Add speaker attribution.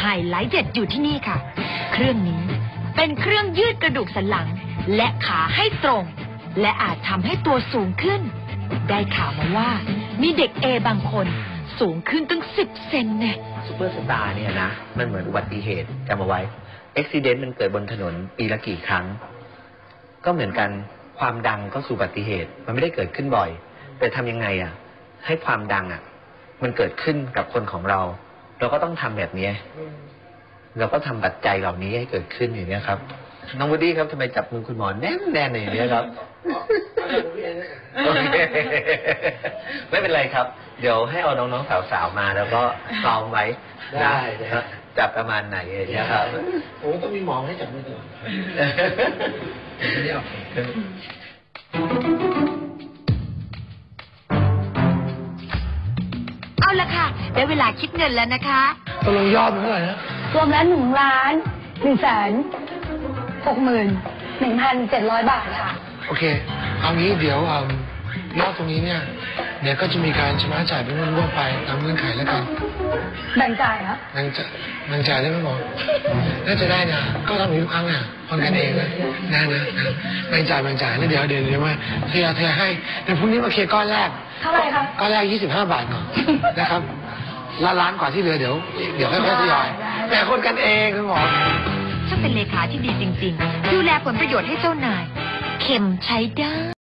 Speaker 1: ไฮไลท์เด็ดอยู่ที่นี่ค่ะเครื่องนี้เป็นเครื่องยืดกระดูกสันหลังและขาให้ตรงและอาจทำให้ตัวสูงขึ้นได้ข่าวมาว่ามีเด็กบางคนสูงขึ้นตั้ง10 เซนเนี่ย
Speaker 2: ซูเปอร์สตาร์เนี่ยนะมันเหมือนอุบัติเหตุจำเอาไว้อุบัติเหตุมันเกิดบนถนนปีละกี่ครั้งก็เหมือนกันความดังก็สู่อุบัติเหตุมันไม่ได้เกิดขึ้นบ่อยแต่ทำยังไงให้ความดังมันเกิดขึ้นกับคนของเราก็ต้องทำแบบนี้เราก็ทำปัจจัยเหล่านี้ให้เกิดขึ้นอย่างนี้ครับน้องวูดดี้ครับทำไมจับมือคุณหมอแน่นๆอย่างนี้ครับไม่เป็นไรครับเดี๋ยวให้เอาน้องๆสาวๆมาแล้วก็ซ้อมไว้ได้จับประมาณไหนอย่างนี้ครับ
Speaker 3: โอ้ต้องมีหมอให้จับมือก่อนไม่ได้ออก
Speaker 1: เอาละค่ะได้เวลาคิดเงินแล้วนะคะ
Speaker 3: ตกลงยอดเท่าไหร่นะ
Speaker 4: รวมแล้ว1,161,700 บาทค่ะ
Speaker 3: โอเคเอางี้เดี๋ยวยอดตรงนี้เนี่ยเดี๋ยวก็จะมีการชำระจ่ายเป็นงวดๆไปตามเงื่อนไขแล้วกัน
Speaker 4: แบ่งจ่ายเหรอ
Speaker 3: แบ่งจ่ายได้ไหมหมอน่าจะได้นะก็ทำอยู่ทุกครั้งคนกันเองนะแบ่งจ่ายแล้วเดี๋ยวมาเทให้เดี๋ยวพรุ่งนี้มาเคลียร์ก้อนแรก
Speaker 4: เท่าไหร่คะ
Speaker 3: ก้อนแรก25 บาทก่อนนะครับล้านกว่าที่เหลือเดี๋ยวค่อยๆทยอยแต่คนกันเองคุณหมอ
Speaker 1: ช่างเป็นเลขาที่ดีจริงๆดูแลผลประโยชน์ให้เจ้านายเข็มใช้ได้